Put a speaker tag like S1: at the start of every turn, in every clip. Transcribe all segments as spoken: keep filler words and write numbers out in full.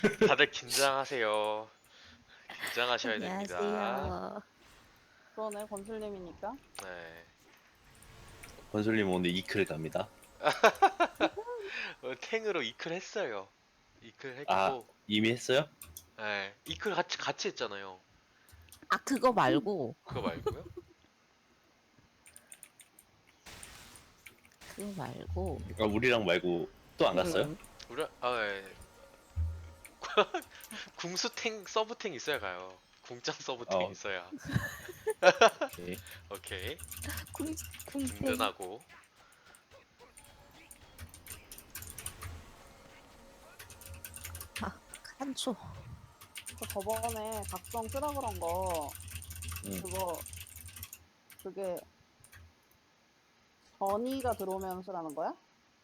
S1: 다들 긴장하세요. 긴장하셔야 됩니다.
S2: 안녕하세요.
S3: 그러네, 건슬님이니까.
S1: 네.
S4: 건솔님 오늘 이클 갑니다.
S1: 어, 탱으로 이클 했어요. 이클
S4: 아,
S1: 했고,
S4: 이미 했어요?
S1: 네. 이클 같이 같이 했잖아요.
S2: 아, 그거 말고,
S1: 그거 말고요?
S2: 그거 말고.
S4: 아, 우리랑 말고 또 안 갔어요?
S2: 음,
S1: 우리 아, 예. 궁수탱 서브탱 있어야 가요. 궁장 서브탱
S4: 어.
S1: 있어야.
S4: 오케이.
S1: 오케이.
S2: 궁, 궁탱.
S1: 든든하고.
S2: 아, 한초.
S3: 그 저번에 각성 쓰라 그런 거,
S4: 응.
S3: 그거, 그게, 전이가 들어오면 쓰라는 거야?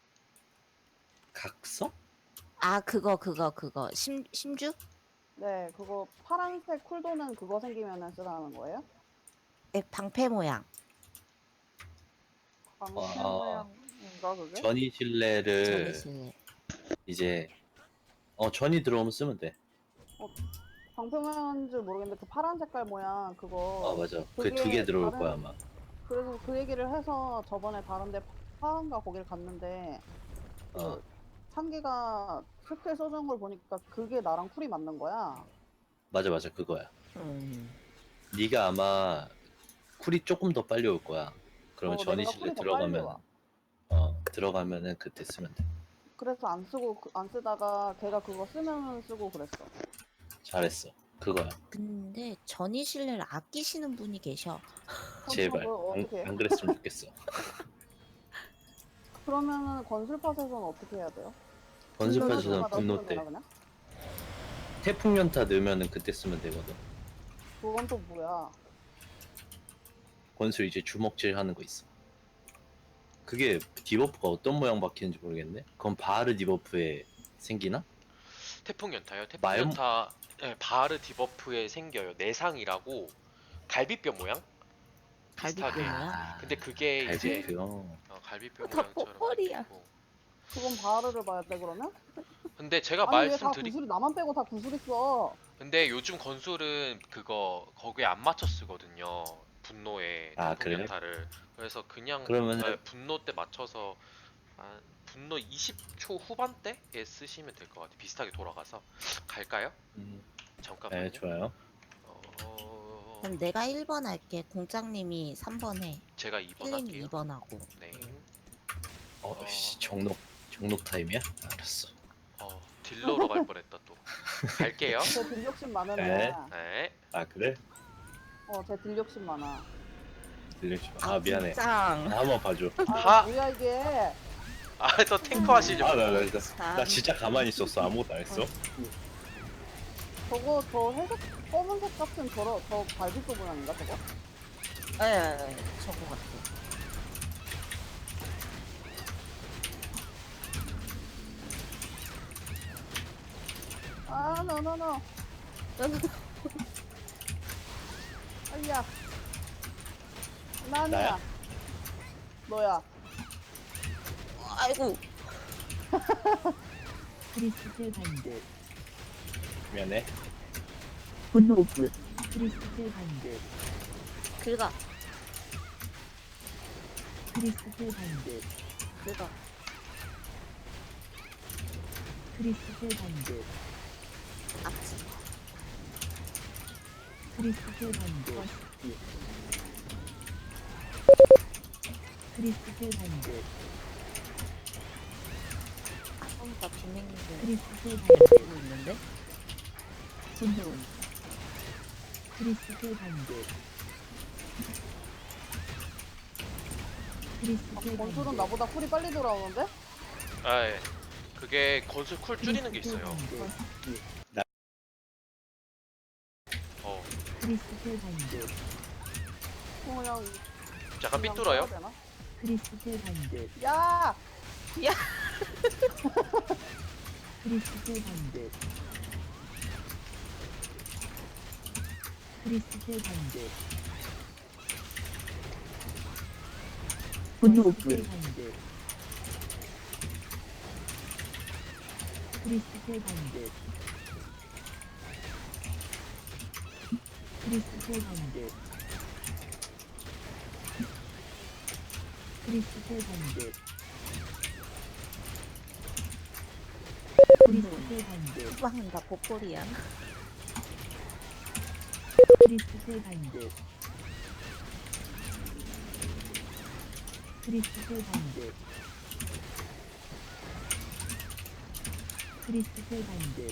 S4: 각성?
S2: 아, 그거, 그거, 그거. 심, 심주?
S3: 네, 그거 파란색 쿨도는 그거 생기면 쓰라는 거예요?
S2: 네, 방패 모양.
S4: 아.
S3: 방패 모양인가, 그게?
S4: 전이 실내를
S2: 전이실래.
S4: 이제 어 전이 들어오면 쓰면 돼.
S3: 방패 모양인 줄 모르겠는데, 그 파란 색깔 모양, 그거.
S4: 아 맞아. 그
S3: 그게
S4: 두 개 들어올
S3: 다른-
S4: 거야 아마.
S3: 그래서 그 얘기를 해서 저번에 다른데 파란가 거기를 갔는데, 그
S4: 어.
S3: 찬기가 스킬 써준 걸 보니까 그게 나랑 쿨이 맞는 거야.
S4: 맞아 맞아 그거야.
S2: 음.
S4: 네가 아마 쿨이 조금 더 빨리 올 거야. 그러면
S3: 어,
S4: 전이
S3: 내가
S4: 실내
S3: 쿨이 더 빨리
S4: 들어가면
S3: 와.
S4: 어 들어가면은 그때 쓰면 돼.
S3: 그래서 안 쓰고 그- 안 쓰다가 걔가 그거 쓰면 쓰고 그랬어.
S4: 잘했어. 그거야.
S2: 근데 전이실래를 아끼시는 분이 계셔.
S3: 그럼
S4: 제발
S3: 그거
S4: 안,
S3: 어떻게 해?
S4: 안 그랬으면 좋겠어.
S3: 그러면은 건술팟에서는 어떻게 해야 돼요?
S4: 건습하셔서
S3: 분노
S4: 분노
S3: 쓰면
S4: 때
S3: 되나, 그냥?
S4: 태풍 연타 넣으면은 그때 쓰면 되거든.
S3: 그건 또 뭐야?
S4: 건술 이제 주먹질 하는 거 있어. 그게 디버프가 어떤 모양 박히는지 모르겠네. 그건 바하르 디버프에 생기나?
S1: 태풍 연타요. 태풍
S4: 마요-
S1: 연타 네, 바르 디버프에 생겨요. 내상이라고 갈비뼈 모양?
S2: 갈비뼈
S1: 비슷하게.
S2: 모양.
S1: 근데 그게 이제
S4: 갈비뼈.
S1: 어, 갈비뼈
S2: 다
S1: 모양처럼
S2: 뽀뽀리야.
S1: 생기고.
S3: 그건 바르를 봐야 돼 그러면?
S1: 근데 제가
S3: 아니 왜 다
S1: 말씀드리
S3: 구슬이 나만 빼고 다 구슬 있어?
S1: 근데 요즘 건술은 그거 거기에 안 맞춰 쓰거든요. 분노에
S4: 아,
S1: 태풍
S4: 그래요?
S1: 연타를. 그래서 그냥
S4: 그러면은-
S1: 네, 분노 때 맞춰서 한 분노 이십 초 후반대에 쓰시면 될 것 같아요. 비슷하게 돌아가서 갈까요?
S4: 음,
S1: 잠깐만요.
S4: 네, 좋아요.
S1: 어...
S2: 그럼 내가 일 번 할게. 공장님이 삼 번 해.
S1: 제가 이 번
S2: 힐님이
S1: 할게요.
S2: 이 번 하고.
S1: 네.
S4: 어, 씨, 정록, 정록 타임이야? 알았어.
S1: 어, 딜러로 갈 뻔했다 또. 갈게요.
S3: 제 딜욕심 많은
S4: 네.
S3: 애야.
S1: 네.
S4: 아, 그래?
S3: 어, 제 딜욕심 많아.
S4: 들려줘. 아, 미안해.
S2: 짱.
S4: 아, 한번 봐줘.
S3: 아,
S1: 하!
S3: 뭐야 이게?
S1: 아, 저 탱커 하시려고.
S4: 아, 나, 나, 나, 나 진짜 가만히 있었어. 아무것도 안 했어.
S3: 저거 저 회색 검은색 같은 저러 저 갈비뼈 모양인가 저거?
S2: 예, 저거 같아.
S3: 아, 노노노. 아이야. 나냐?
S4: 나야?
S3: 너야.
S2: 아이고.
S5: 크리스탈 반드,
S4: 미안해.
S5: 분노 오프, 크리스탈 반드,
S2: 긁어.
S5: 크리스탈 반드,
S2: 긁어.
S5: 크리스탈 반드,
S2: 악지.
S5: 크리스탈 반드, 크리스탈 반드,
S2: 아까 비맹인데
S5: 크리스탈 반드,
S2: 쓰고 있는데?
S5: 분노, 크리스탈 반드,
S3: 아,
S5: 크리스탈
S3: 건술은
S5: 반드,
S3: 나보다 쿨이 빨리 돌아오는데?
S1: 아, 예. 그게 건술 쿨 줄이는 게 있어요. 어,
S5: 크리스탈 반드,
S3: 그냥
S1: 약간
S3: 그냥
S1: 삐뚤어요.
S3: 써야 되나?
S5: 크리스탈 반드,
S3: 야!
S5: 크리스탈 반드, 크리스탈 반드, 분노 오프, 반드, 크리스탈 반드, 크리스탈 바인드. 크리스탈 바인드. 크리스탈 바인드.
S2: 후방인가 보꼴이야.
S5: 크리스탈 바인드. 크리스탈 바인드. 크리스탈 바인드.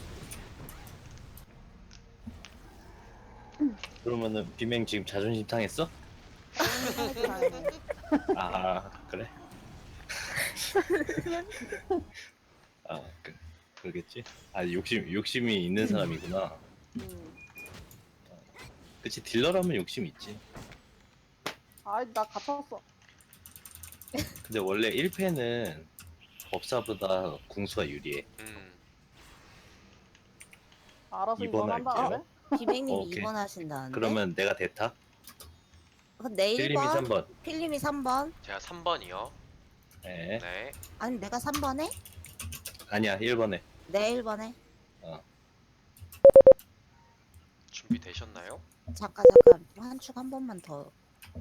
S4: 그러면은 비맹 지금 자존심 상했어?
S3: 다행이네.
S4: 아 그래? 아 그, 그러겠지. 아 욕심 욕심이 있는 사람이구나.
S3: 음.
S4: 그치 딜러라면 욕심 있지.
S3: 아이 나 갇혔어.
S4: 근데 원래 일 패는 법사보다 궁수가 유리해.
S1: 음.
S3: 알아서
S4: 이번
S3: 이번 한다
S4: 할게요.
S3: 그래?
S2: 비맹님이
S4: 오케이.
S2: 이 번 하신다는데.
S4: 그러면 내가 대타?
S2: 그럼 내
S4: 필림이
S2: 일 번,
S4: 삼 번.
S2: 필님이 삼 번.
S1: 제가 삼 번이요.
S4: 네.
S1: 네.
S2: 아니 내가 삼 번 해?
S4: 아니야 일 번에.
S2: 내 일 번 해.
S1: 준비되셨나요?
S2: 잠깐 잠깐 한 축 한 번만 더.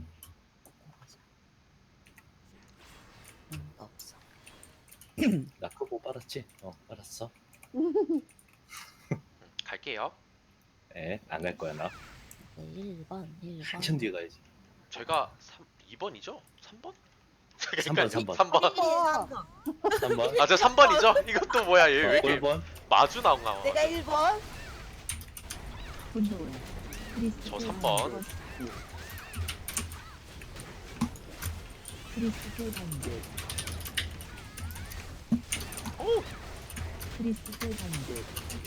S2: 응, 없어.
S4: 나 크고 빨았지? 어 빨았어.
S1: 음, 갈게요.
S4: 네, 안 갈 거야 나.
S2: 일 번, 일 번.
S4: 한참 뒤에 가야지.
S1: 제가 삼, 이 번이죠? 삼 번?
S4: 삼 번, 삼 번.
S1: 삼 번.
S2: 필님이 삼 번.
S4: 삼 번.
S1: 아, 저 삼 번이죠? 이것도 뭐야, 얘 왜
S4: 어,
S1: 이렇게
S4: 일 번.
S1: 마주 나온가?
S2: 내가 일 번.
S5: 분노. 크리스탈
S1: 저 삼 번.
S5: 바인드. 크리스탈 바인드.
S1: 오!
S5: 크리스탈 바인드.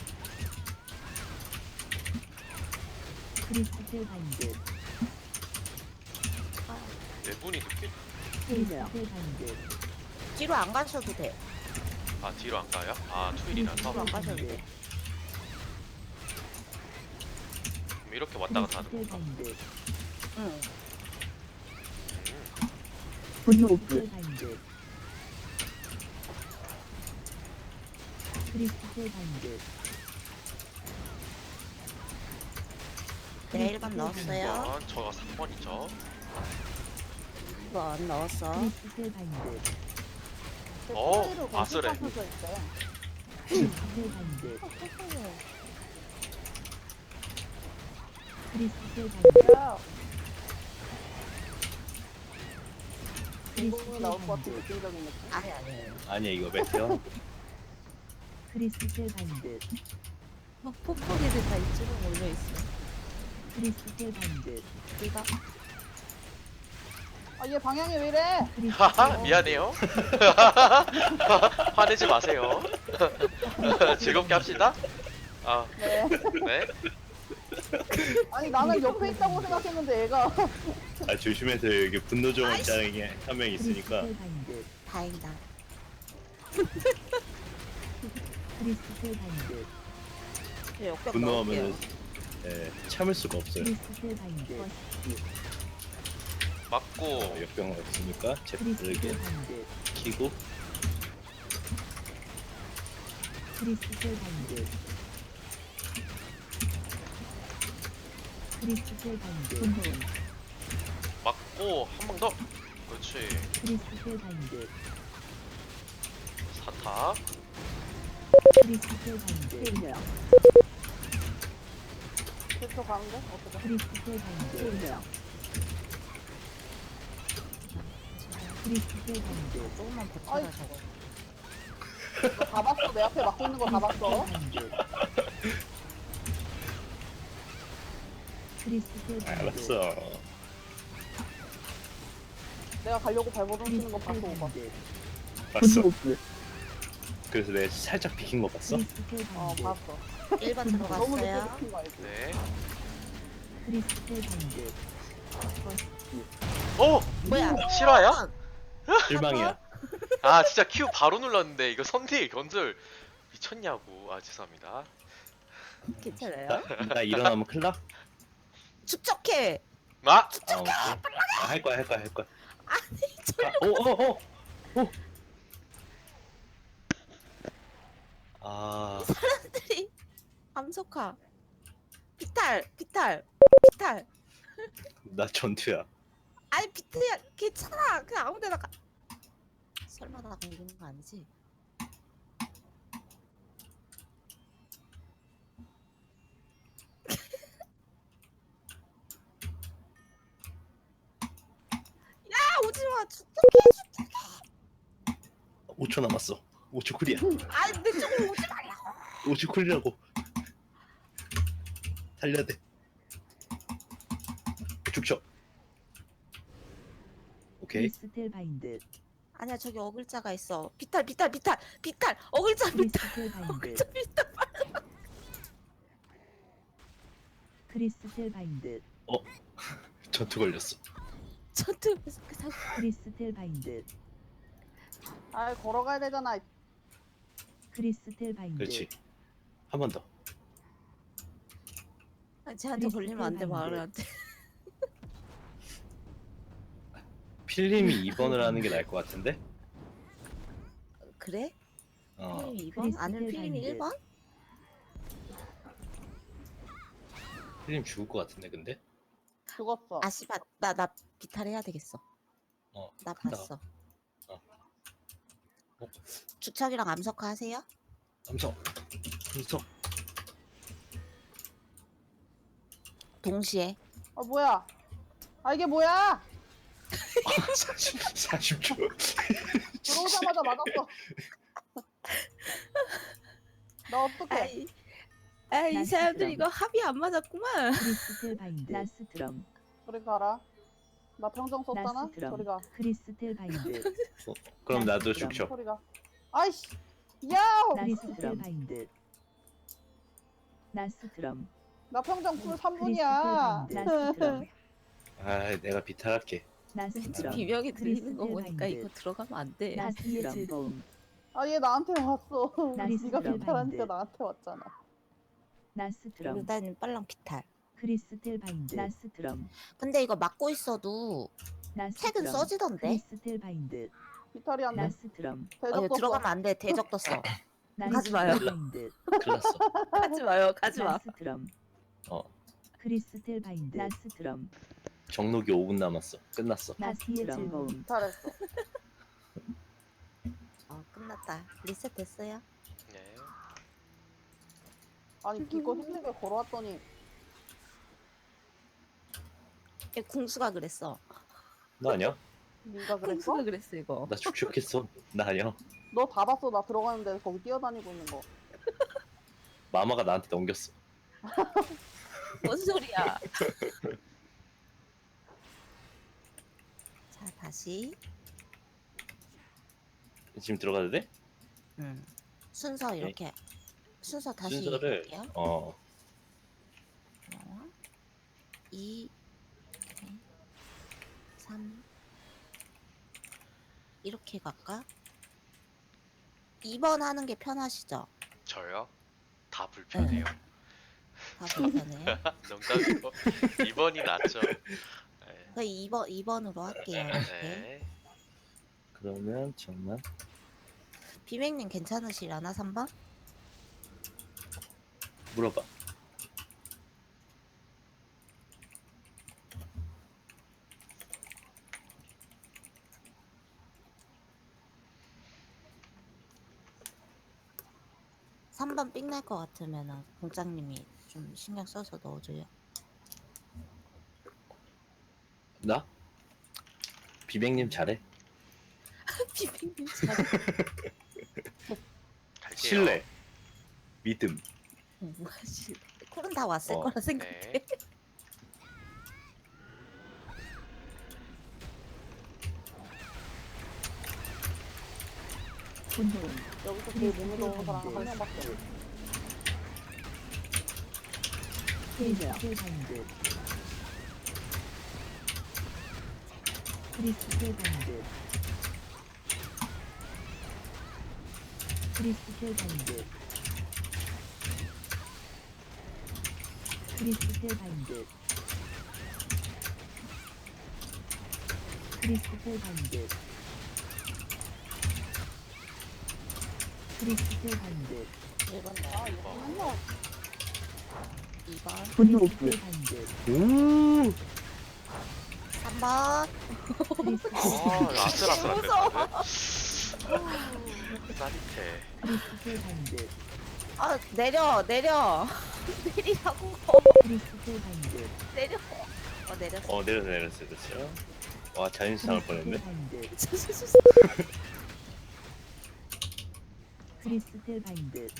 S5: 크리스탈 바인드.
S1: 네 분이 늦게.
S5: 크리스탈 바인드.
S2: 뒤로 안 가셔도 돼.
S1: 아, 뒤로 안 가요? 아, 투일이라서.
S2: 뒤로 안 가셔도 돼.
S1: 그럼 이렇게 왔다 갔다 하는
S5: 크리스탈
S1: 건가?
S5: 바인드.
S2: 응.
S1: 음,
S5: 분노 바인드. 크리스탈 바인드.
S2: 내 일 번 넣었어요.
S1: 번, 저가 삼 번이죠.
S2: 일 번 넣었어.
S5: 크리스탈 바인드.
S1: 어, 아슬해.
S3: 서 있대.
S5: 크리스탈 바인드. 크리스탈 바인드.
S3: 야, 공공이
S5: 크리스탈
S3: 나올 것 같은
S5: 바인드.
S3: 느낌적인 느낌.
S2: 아니 아니.
S4: 아니야 이거 메테오.
S5: 크리스탈 바인드.
S2: 막 뽁뽁이들 다 이쪽으로 몰려 있어.
S5: 크리스탈 바인드.
S2: 네가
S3: 아 얘 방향이 왜 이래?
S1: 하하, 미안해요. 화내지 마세요. 즐겁게 합시다. 아,
S3: 네.
S1: 네.
S3: 아니 나는 옆에 있다고 생각했는데 얘가
S4: 아 조심해서 여기 분노 정원 짱이 한 명 있으니까.
S5: 크리스탈 바인드.
S2: 다행이다.
S5: 크리스탈 바인드.
S2: 저 역겹
S4: 분노하면은
S2: 넣을게요.
S4: 예, 참을 수가 없어요.
S5: 크리스탈 바인드.
S1: 맞고.
S4: 역병 없으니까
S5: 크리스탈
S4: 제프르게
S5: 바인드.
S4: 키고
S5: 크리스탈 바인드. 크리스탈 바인드. 분노.
S1: 맞고 한 번 더. 그렇지.
S5: 크리스탈 바인드.
S1: 사타.
S5: 크리스탈 바인드.
S3: 그쪽 가는데 어떻게?
S5: 크리스탈 바인드. 크리스탈 바인드.
S2: 조금만 버텨라
S3: 아이.
S2: 저거.
S3: 다 봤어. 내 앞에 막고 있는 거 다 봤어.
S5: 크리스탈 바인드.
S4: 알았어.
S3: 내가 가려고 발버둥 치는 거
S5: 크리스탈
S3: 봤어 오빠.
S5: 바인드.
S4: 봤어. 그래서 내가 살짝 비킨 거 봤어?
S5: 크리스탈
S3: 어
S5: 바인드.
S3: 봤어.
S2: 일 번
S3: 너무 늦게
S2: 들어갔어요.
S3: 느낀 거 알지?
S1: 네.
S5: 크리스탈 바인드.
S1: 오!
S2: 뭐야?
S1: 실화야?
S4: 실망이야.
S1: 아, 진짜 Q 바로 눌렀는데 이거 선딜 건절 미쳤냐고. 아, 죄송합니다.
S2: 괜찮아요?
S4: 나, 나 일어나면 큰일 나?
S2: 축적해.
S1: 아!
S4: 아, 오케이. 아, 할 거야 할 거야 할 거야.
S2: 아니
S4: 아, 오, 오, 오, 오. 아,
S2: 사람들이 암석화. 피탈, 피탈. 비탈.
S4: 나 전투야.
S2: 아니 비트야 괜찮아. 그냥 아무데나 가. 설마 나 걸리는 거 아니지? 야 오지마. 죽게.
S4: 오 초 남았어. 오 초 쿨이야.
S2: 아니 내 쪽으로 오지 말라고.
S4: 오 초 쿨이라고. 달려야 돼. 죽쳐. 오케이.
S5: 크리스텔 바인드.
S2: 아니야 저기 어글자가 있어. 비탈 비탈 비탈 비탈 어글자 비탈.
S5: 크리스텔 바인드.
S2: 어글자 비탈.
S5: 크리스텔 바인드.
S4: 전투 걸렸어.
S2: 전투 그냥
S5: 크리스텔 바인드.
S3: 아 걸어가야 되잖아.
S5: 크리스텔 바인드.
S4: 그렇지. 한 번 더.
S2: 아니, 쟤한테 걸리면 안 돼 마을한테.
S4: 필님이 이 번을 하는 게 나을 것 같은데?
S2: 그래?
S4: 어.
S2: 필름이 이 번?
S5: 크리스텔
S2: 아니면 필름이
S5: 바인드.
S2: 일 번?
S4: 필님 죽을 것 같은데 근데?
S3: 죽었어.
S2: 아 씨발 나 나 비탈 해야 되겠어.
S4: 어.
S2: 나
S4: 간다.
S2: 봤어.
S4: 어. 어.
S2: 주척이랑 암석화 하세요?
S4: 암석. 암석.
S2: 동시에.
S3: 아 뭐야? 아 이게 뭐야?
S4: 사십, 사십 초.
S3: 들어오자마자 맞았어. 나 어떡해?
S2: 아이, 아이 이
S5: 나이스
S2: 사람들
S5: 드럼.
S2: 이거 합이 안 맞았구만.
S5: 크리스텔 바인드. 나스 드럼.
S3: 저리 가라. 나 평정 썼잖아.
S5: 나스 드럼.
S3: 저리 가.
S5: 크리스텔 바인드.
S4: 그럼 나도
S5: 나이스
S4: 죽쳐.
S3: 저리 가. 아이씨. 야우.
S5: 크리스텔 바인드. 나스 드럼.
S3: 나 평정 쿨 삼
S5: 크리스텔
S3: 분이야.
S5: 바인드. 나스 드럼.
S4: 아, 내가 비탈할게.
S5: 나스
S2: 왠지
S5: 드럼.
S2: 비명이 들리는 거
S5: 크리스텔
S2: 보니까
S5: 바인드.
S2: 이거 들어가면 안 돼.
S5: 나스의 즐거움.
S3: 아 얘 나한테 왔어.
S5: 나이스
S3: 네가
S5: 드럼
S3: 비탈하니까
S5: 바인드.
S3: 나한테 왔잖아.
S5: 나스 드럼.
S2: 일단 빨랑 비탈.
S5: 크리스텔 바인드. 나스 드럼.
S2: 근데 이거 막고 있어도
S5: 나스
S2: 책은
S5: 드럼.
S2: 써지던데?
S5: 크리스텔 바인드.
S3: 비탈이 안 돼.
S5: 나스 드럼.
S2: 어,
S3: 대적
S2: 이거
S3: 떴어.
S2: 들어가면 안 돼. 대적 떴어.
S5: 나이스
S2: 가지 마요.
S5: 바인드.
S4: 큰일 났어.
S2: 가지 마요. 가지 마.
S5: 나스 드럼.
S4: 어.
S5: 크리스텔 바인드. 나스 드럼.
S4: 정록이 오 분 남았어. 끝났어.
S5: 나스의 즐거움.
S3: 잘했어.
S2: 어 끝났다. 리셋 됐어요?
S1: 네.
S3: 아니 이거 힘들게 걸어왔더니
S2: 얘 궁수가 그랬어.
S4: 나 아니야?
S3: 네가 그랬어?
S2: 궁수가 그랬어 이거.
S4: 나 죽죽했어. 나 아니야.
S3: 너 다 봤어. 나 들어가는데 거기 뛰어다니고 있는 거.
S4: 마마가 나한테 넘겼어.
S2: 뭔 소리야? 자 다시.
S4: 지금 들어가도 돼?
S2: 음. 순서 이렇게. 순서 다시
S4: 순서를
S2: 할게요.
S4: 어
S2: 하나, 이, 삼 이렇게 갈까? 이 번 하는 게 편하시죠?
S1: 저요? 다 불편해요.
S2: 다 불편해요.
S1: 농담이고 이 번이 낫죠. 네.
S2: 그럼 이 번, 이 번으로 할게요. 이렇게.
S1: 네.
S4: 그러면 잠만.
S2: 비맹님 괜찮으시려나? 삼 번?
S4: 물어봐.
S2: 삼 번 삑날 것 같으면은 공장님이 좀 신경 써서 넣어줘요.
S4: 나? 비백님 잘해.
S2: 비맹님 잘.
S1: 갈게요.
S4: 신뢰. 믿음.
S2: 뭐하시? 쿨은 다 왔을
S4: 어,
S2: 거라 생각해.
S1: 네.
S5: 분노.
S3: 여기서 제일 몸이 좋은 사람 한 명밖에 없어.
S5: 크리스텔 바인드. 크리스텔 바인드. 크리스텔 바인드. 크리스텔 바인드. 크리스텔 바인드. 크리스텔 바인드.
S2: 일 번
S3: 아
S2: 네.
S3: 이거 맨날
S2: 이 번,
S5: 분노불 반듯.
S4: 오
S2: 삼 번.
S5: 크리스탈
S1: 아 아슬아슬한데
S2: 무서워.
S1: 다들. 짜릿해.
S5: 크리스탈 반듯.
S2: 아 내려 내려 내리라고.
S5: 크리스탈 반듯.
S2: 내려. 어 내렸어.
S4: 어 내렸어 내렸어 내렸어. 와 자연스 당할 뻔했네.
S5: 반듯. 크리스탈 반듯.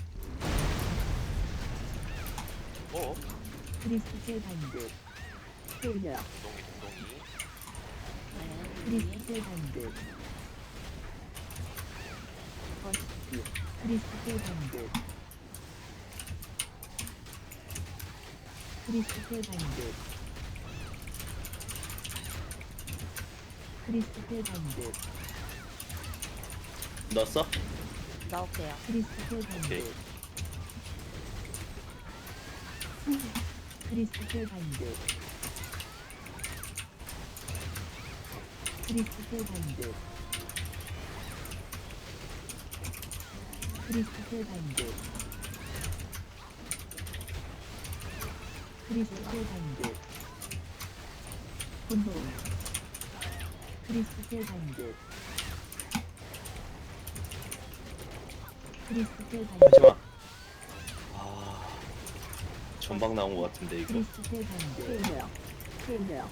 S1: 어?
S5: 크리스탈 반듯. 소녀.
S1: 동동이 동동이.
S5: 크리스탈 반듯. 버스트. 크리스탈 반듯. 크리스탈 반듯. 크리스탈 반듯.
S4: 넣었어?
S2: 넣을게요.
S5: 크리스탈
S4: 오케이.
S5: 반듯. 크리스탈 반듯. 크리스탈 반듯. 크리스탈 반듯. 크리스탈 반듯. 분노. 크리스탈 반듯. 크리스탈 반듯.
S4: 하지마. 아 전방 나온 것 같은데 이거.
S5: 크리스탈 반듯. 소녀. 소녀.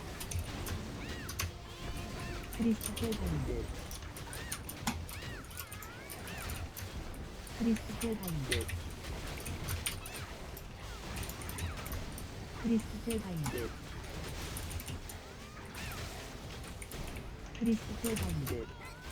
S5: 크리스탈 반듯. 크리스탈 반듯. 크리스탈 반듯. 크리스탈 반듯.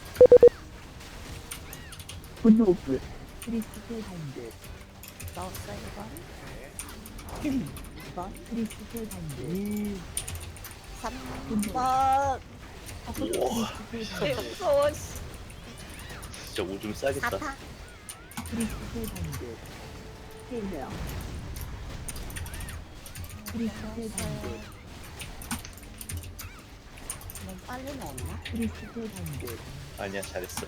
S5: 분노불. 크리스탈 반듯.
S2: 넣었어 이 번.
S1: 네.
S2: 이 번.
S5: 크리스탈 반듯.
S2: 삼
S5: 분노.
S2: 번.
S4: 우와
S5: 크리스탈 반듯.
S2: 무서워. 씨.
S4: 진짜 오줌 싸겠다.
S2: 사타.
S5: 크리스탈 반듯. 소녀. 크리스탈 반듯.
S2: 너무 빨리 넣었나?
S5: 크리스탈 반듯.
S4: 아니야 잘했어.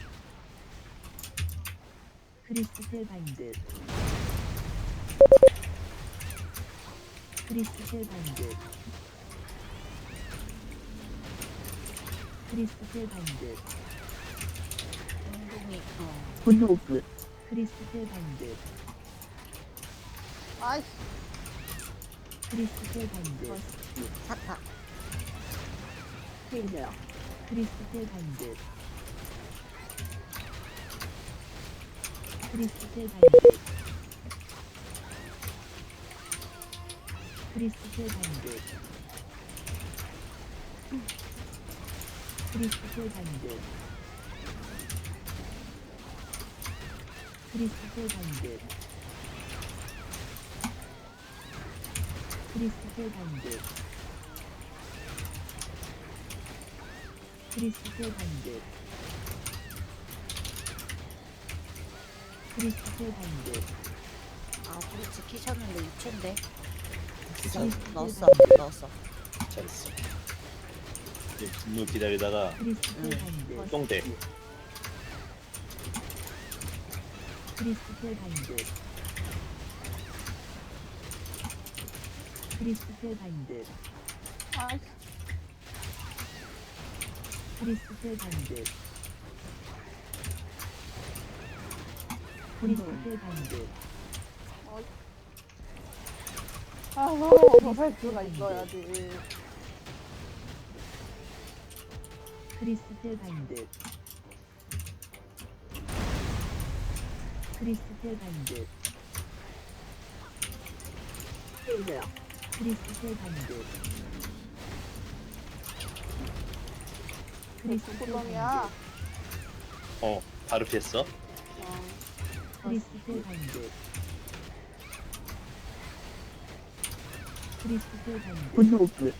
S5: 크리스탈 반듯. 크리스탈 반듯. 크리스탈 반듯.
S2: 운동이 어.
S5: 분노불. 크리스탈 반듯.
S3: 아이씨.
S5: 크리스탈 반듯.
S2: 사타.
S5: 소녀. 크리스탈 반듯. 크리스탈 반듯. 크리스탈 반듯. 크리스탈 반듯. 크리스탈 반듯. 크리스탈 반듯. 크리스탈 반듯. 크리스탈 반듯.
S2: 아 우리 지키셨는데 육 초인데.
S5: 크리스탈
S2: 넣었어
S5: 반듯.
S2: 넣었어.
S4: 잘했어. 이제 분노 기다리다가
S5: 크리스탈 반듯.
S4: 똥대.
S5: 크리스탈 반듯. 크리스탈 반듯.
S3: 아이씨.
S5: 크리스탈 반듯. 크리스탈 반듯.
S3: 아, 어서 살 수가 있어야지.
S5: 크리스탈 반듯. 크리스탈 반듯.
S3: 소녀.
S5: 크리스탈 반듯. 크리스탈
S3: 구덩이야.
S5: 반듯.
S4: 어 바로 피했어.
S3: 어.
S5: 크리스탈 반듯. 크리스탈 반듯. 분노불.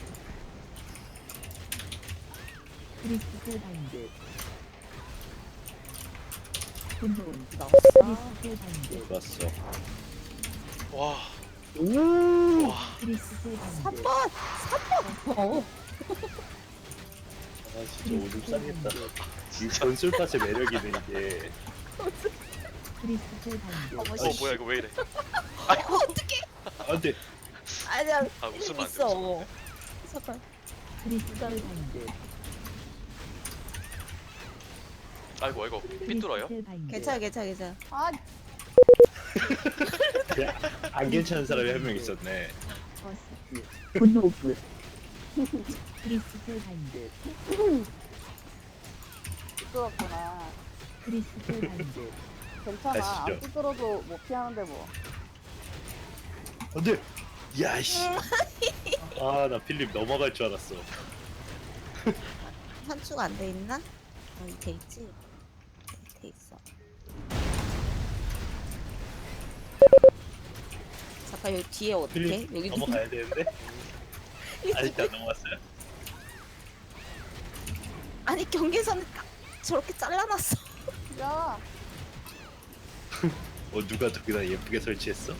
S5: 크리스탈 반듯. 분노.
S2: 넣었어.
S5: 크리스탈 반듯.
S4: 좋았어.
S1: 와.
S4: 오.
S1: 와.
S5: 크리스탈
S2: 삼
S5: 반듯.
S2: 번. 삼 번. 어.
S4: 아 진짜 오줌 싸겠다. 진짜 전술팟의 매력이네 이게.
S5: 크리스탈 반듯.
S2: 어머
S1: 어
S2: 씨.
S1: 뭐야 이거 왜 이래?
S4: 아 안돼.
S2: 아니야.
S1: 아 웃으면 안 돼.
S2: 있어.
S1: 웃으면 안 돼.
S2: 잠깐.
S5: 크리스탈 바인드.
S1: 아이고 아이고 삐뚤어요.
S5: 크리스탈 바인드.
S2: 괜찮아 괜찮아 괜찮아.
S3: 아,
S4: 안 괜찮은 사람이 한 명 있었네.
S5: 버스트. 분노 오프. 크리스탈 바인드.
S3: 삐뚤었구나.
S5: 크리스탈 바인드.
S3: 괜찮아.
S4: 가시죠.
S3: 안 삐뚤어도 못 피하는데 뭐.
S4: 안돼. 야씨. 아 나 필립 넘어갈 줄 알았어.
S2: 산수가 안 돼 있나? 어, 돼 있지. 돼 있어. 잠깐 여기 뒤에 어떻게?
S4: 필립
S2: 여기
S4: 넘어가야 되는데. 아직도 안 넘어갔어요.
S2: 아니 경계선을 딱 저렇게 잘라놨어.
S3: 야,
S4: 어 누가 저기다 예쁘게 설치했어?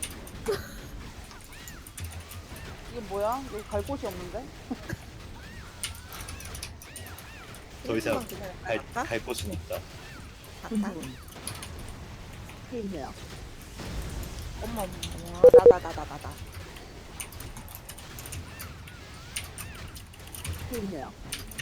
S3: 이게 뭐야? 여기 갈 곳이 없는데?
S4: 더 이상
S2: 일분만 기다렸다
S4: 갈,
S2: 갈까?
S4: 갈 곳은 없다.
S2: 갔다.
S5: 분노. 테일러.
S2: 엄마 엄마 나나 나 나 나 나.
S5: 테일러.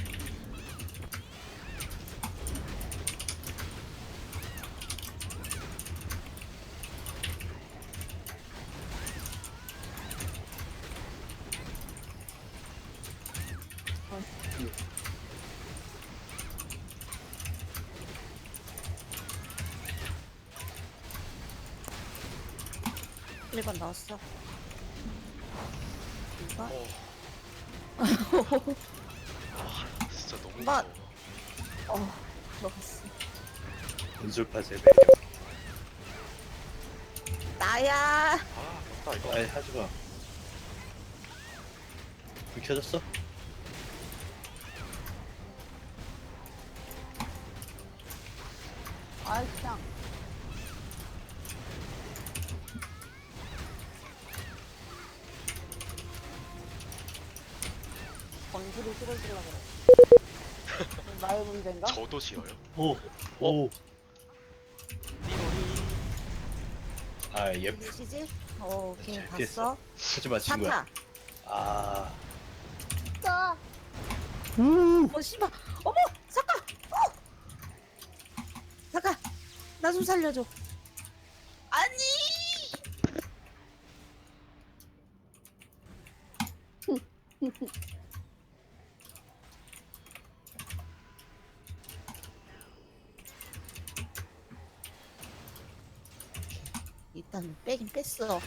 S5: 버스트.
S2: 일 번 나왔어. 이거
S1: 어. 아 진짜 너무
S2: 마-
S1: 무서워.
S2: 어 들어갔어.
S4: 분술파 세배.
S2: 나야.
S1: 아 맞다 이거.
S4: 아이 하지 마. 불 켜졌어?
S3: 아이, 그냥. 번지를 실어주려고 그래. 나의 문제인가?
S1: 저도 싫어요.
S4: 오. 오.
S1: 띠로리.
S4: 아 예쁘.
S2: 누구시지? 어 오케이
S4: 잘
S2: 봤어.
S4: 됐어. 하지마 친구야.
S2: 사타.
S4: 아.
S3: 자,
S2: 어 씨발. 어머 잠깐. 어. 잠깐. 나 좀 살려줘. 아니. 일단 빼긴 뺐어.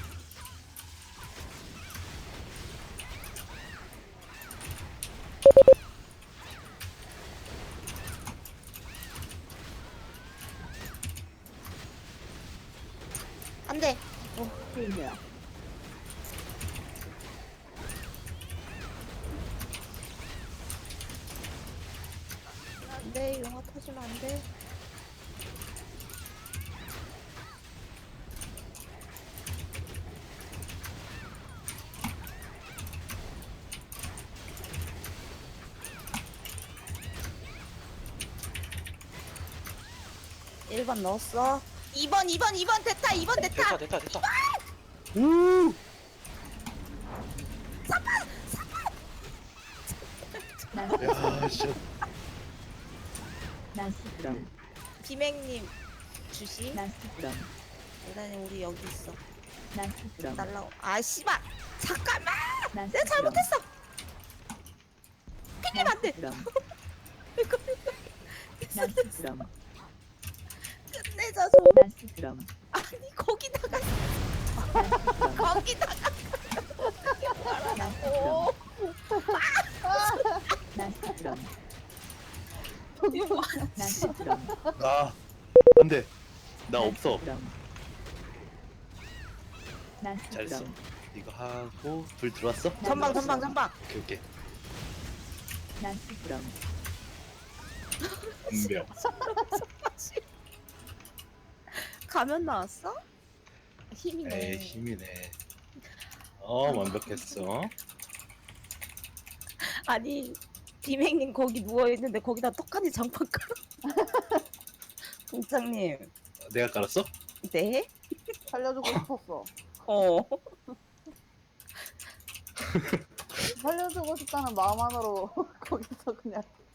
S2: 안 돼.
S5: 테일러.
S2: 안 돼. 영화 터지면 안 돼. 일 번 넣었어. 이 번, 이 번, 이 번 됐다. 이 번 됐다.
S1: 됐다 됐다 됐다.
S4: 우. 야 진짜.
S5: 나스프럼.
S2: 비맹님 주시.
S5: 나스프럼.
S2: 일단은 우리 여기 있어.
S5: 나스프럼.
S2: 날라. 아 씨발. 잠깐만. 내가
S5: 나스프럼.
S2: 잘못했어. 피님 안 돼.
S5: 나스프럼.
S2: 이거
S5: 나스프럼.
S2: 끝내자 좀.
S5: 나스프럼.
S2: 아니 거기다가
S5: 나스프럼.
S2: 거기다가. 오.
S5: 나스프럼.
S2: 이거 뭐
S5: 나스프럼.
S4: 아. 안돼. 나 없어.
S5: 나스프럼.
S4: 잘했어. 이거 하고 불 들어왔어?
S2: 전방 전방 전방.
S4: 오케이 오케이.
S5: 나스프럼.
S4: 안돼요.
S2: 가면 나왔어? 힘이네.
S4: 에이 힘이네. 어 완벽했어.
S2: 아니 비맹님 거기 누워 있는데 거기다 떡하니 장판 깔아. 동장님.
S4: 내가 깔았어?
S2: 네?
S3: 살려주고 싶었어.
S2: 어.
S3: 살려주고 싶다는 마음만으로 거기서 그냥